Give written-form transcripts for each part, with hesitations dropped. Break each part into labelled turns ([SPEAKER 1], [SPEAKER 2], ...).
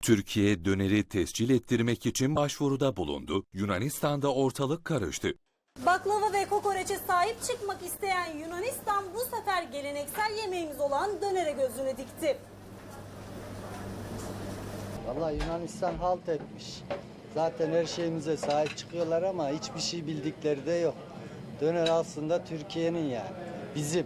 [SPEAKER 1] Türkiye döneri tescil ettirmek için başvuruda bulundu. Yunanistan'da ortalık karıştı.
[SPEAKER 2] Baklava ve kokoreçe sahip çıkmak isteyen Yunanistan bu sefer geleneksel yemeğimiz olan dönere gözünü dikti.
[SPEAKER 3] Vallahi Yunanistan halt etmiş. Zaten her şeyimize sahip çıkıyorlar ama hiçbir şey bildikleri de yok. Döner aslında Türkiye'nin yani. Bizim.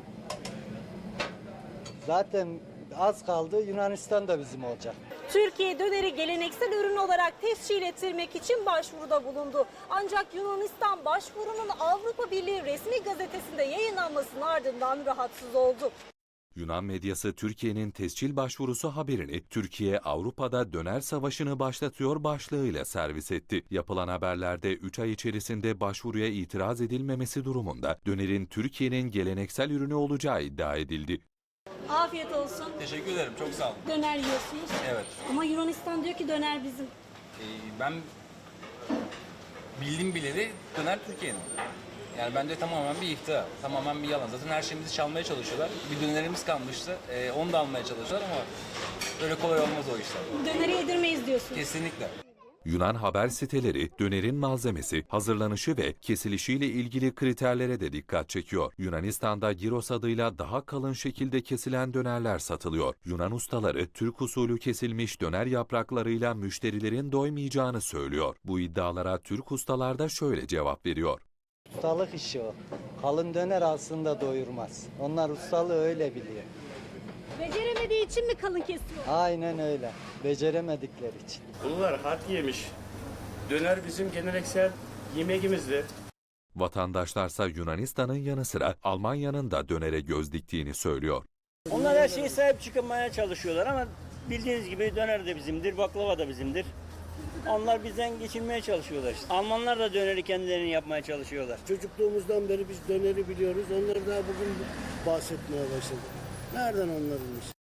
[SPEAKER 3] Zaten az kaldı Yunanistan da bizim olacak.
[SPEAKER 2] Türkiye döneri geleneksel ürün olarak tescil ettirmek için başvuruda bulundu. Ancak Yunanistan başvurunun Avrupa Birliği resmi gazetesinde yayınlanmasının ardından rahatsız oldu.
[SPEAKER 1] Yunan medyası Türkiye'nin tescil başvurusu haberini "Türkiye Avrupa'da döner savaşını başlatıyor" başlığıyla servis etti. Yapılan haberlerde 3 ay içerisinde başvuruya itiraz edilmemesi durumunda dönerin Türkiye'nin geleneksel ürünü olacağı iddia edildi.
[SPEAKER 2] Afiyet olsun.
[SPEAKER 4] Teşekkür ederim. Çok sağ olun.
[SPEAKER 2] Döner yiyorsunuz.
[SPEAKER 4] Evet.
[SPEAKER 2] Ama Yunanistan diyor ki döner bizim.
[SPEAKER 4] Ben bildim bileli döner Türkiye'nin. Yani bence tamamen bir iftira, tamamen bir yalan. Zaten her şeyimizi çalmaya çalışıyorlar. Bir dönerimiz kalmıştı, onu da almaya çalışıyorlar ama öyle kolay olmaz o işler.
[SPEAKER 2] Döneri yedirmeyiz diyorsunuz.
[SPEAKER 4] Kesinlikle.
[SPEAKER 1] Yunan haber siteleri dönerin malzemesi, hazırlanışı ve kesilişiyle ilgili kriterlere de dikkat çekiyor. Yunanistan'da gyros adıyla daha kalın şekilde kesilen dönerler satılıyor. Yunan ustaları Türk usulü kesilmiş döner yapraklarıyla müşterilerin doymayacağını söylüyor. Bu iddialara Türk ustalar da şöyle cevap veriyor.
[SPEAKER 3] Ustalık işi o. Kalın döner aslında doyurmaz. Onlar ustalığı öyle biliyor.
[SPEAKER 2] Beceremediği için mi kalın kesiyor?
[SPEAKER 3] Aynen öyle. Beceremedikleri için.
[SPEAKER 5] Bunlar hak yemiş. Döner bizim geleneksel yemeğimizdir.
[SPEAKER 1] Vatandaşlarsa Yunanistan'ın yanı sıra Almanya'nın da dönere göz diktiğini söylüyor.
[SPEAKER 6] Onlar her şeye sahip çıkmaya çalışıyorlar ama bildiğiniz gibi döner de bizimdir, baklava da bizimdir. Onlar bizden geçinmeye çalışıyorlar işte. Almanlar da döneri kendilerini yapmaya çalışıyorlar.
[SPEAKER 7] Çocukluğumuzdan beri biz döneri biliyoruz. Onları daha bugün bahsetmeye başladık. Nereden onların işi?